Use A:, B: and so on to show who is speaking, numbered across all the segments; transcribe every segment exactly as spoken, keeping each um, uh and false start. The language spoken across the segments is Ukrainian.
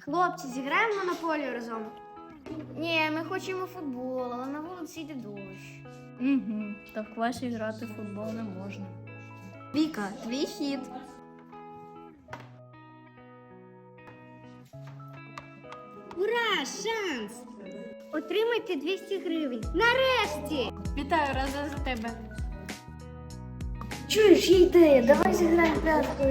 A: Хлопці, зіграємо в монополію разом. Ні, ми хочемо футбол, але на вулиці йде дощ.
B: Угу, та в класі грати в футбол не можна.
A: Віка, твій хід. Ура! Шанс! Отримайте двісті гривень. Нарешті!
B: Вітаю, разом за тебе.
A: Чуєш, є ідея, давай зіграємо пряткою.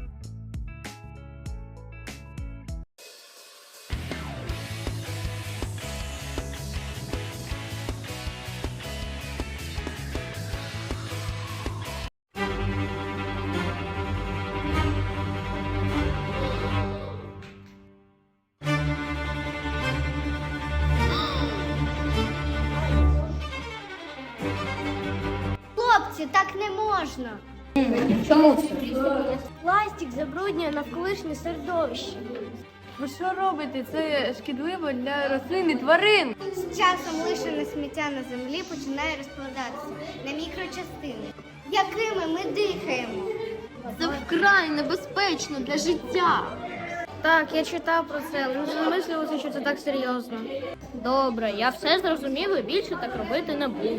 A: Хлопці, так не можна.
B: Чому це?
A: Пластик забруднює навколишнє середовище.
B: Ви що робите? Це шкідливо для рослин і тварин.
A: З часом лишене сміття на землі починає розкладатися на мікрочастини, якими ми дихаємо.
B: Це вкрай небезпечно для життя.
A: Так, я читав про це, але не замислювався, що це так серйозно.
B: Добре, я все зрозумів і більше так робити не буду.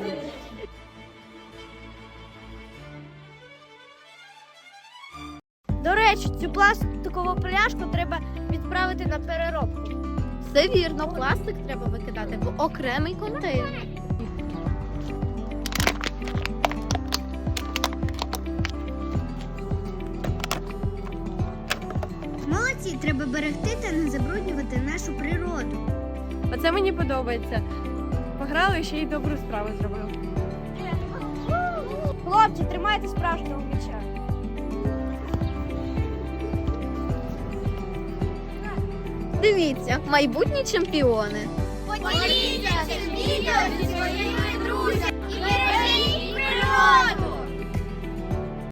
A: До речі, цю пластикову пляшку треба відправити на переробку.
B: Все вірно, пластик треба викидати в окремий контейнер.
A: Молодці, треба берегти та не забруднювати нашу природу.
B: Оце мені подобається. Пограли, ще й добру справу зробили.
A: Хлопці, тримайте справжнього м'яча.
B: Дивіться, майбутні чемпіони.
A: Поділіться цим відео